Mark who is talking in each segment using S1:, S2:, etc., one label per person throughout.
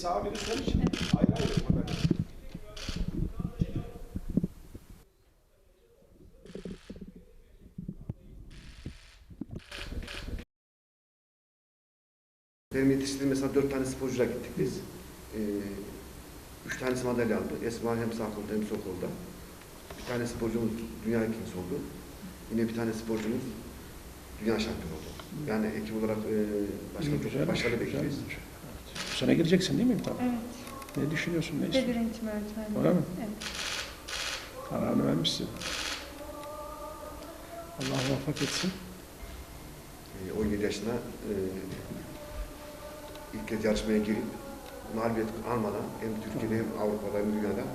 S1: sağa biri sol için ayrı ayrı madalya.
S2: Benim yetiştirdiğim mesela 4 tane sporcuyla gittik biz. 3 tanesi madalya aldı. Esma hem sağ kolda hem sol kolda. Bir tane sporcumuz dünya ikincisi oldu. Yine bir tane sporcumuz dünya şampiyonu oldu. Yani ekip olarak başkanım çok başarılı bekliyoruz.
S1: Evet. Bu sene gireceksin değil mi imtihana?
S3: Evet.
S1: Ne düşünüyorsun? Ne
S3: Beden
S1: istiyorsun?
S3: eğitimi öğretmenliği.
S1: Öyle mi?
S3: Evet.
S1: Kararını vermişsin. Allah muvaffak etsin.
S2: 17 yaşında ilk kez yarışmaya girip mağlubiyet almadan hem Türkiye'de hem Avrupa'da hem dünyada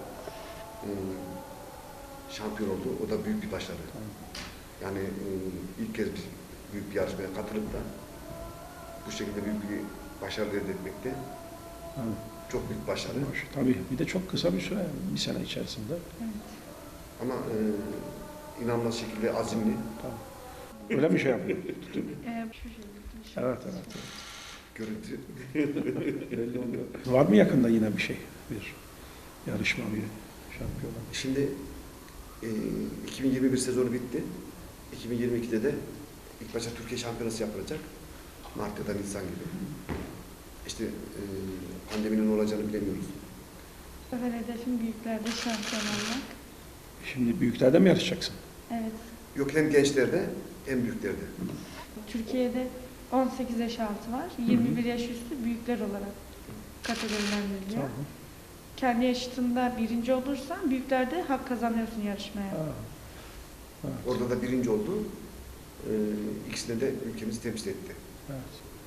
S2: şampiyon oldu. O da büyük bir başarı. Yani ilk kez büyük bir yarışmaya katılıp da bu şekilde büyük bir başarı elde etmekte çok büyük başarı.
S1: Tabii bir de çok kısa bir süre, bir sene içerisinde.
S3: Evet.
S2: Ama inanılmaz şekilde azimli.
S1: Tabii. Öyle bir şey yapıyor.
S3: Şu şekilde.
S1: Evet, evet.
S2: Görüntü.
S1: Belli oluyor. Var mı yakında yine bir şey? Bir yarışma, bir şampiyonluk?
S2: Şimdi 2021 sezonu bitti. 2022'de de ilk başta Türkiye şampiyonası yapılacak. Mart ya da Nisan gibi. İşte pandeminin olacağını bilemiyoruz.
S3: Bu sefer hedefim büyüklerde şampiyon olmak.
S1: Şimdi büyüklerde mi yarışacaksın?
S3: Evet.
S2: Yok hem gençlerde hem büyüklerde.
S3: Türkiye'de 18 yaş altı var. 21 yaş üstü büyükler olarak kategorilendiriliyor.
S1: Tamam.
S3: Kendi yaşıtında birinci olursan büyüklerde hak kazanıyorsun yarışmaya.
S1: Evet.
S2: Orada da birinci oldu. İkisine de ülkemizi temsil etti.
S1: Evet.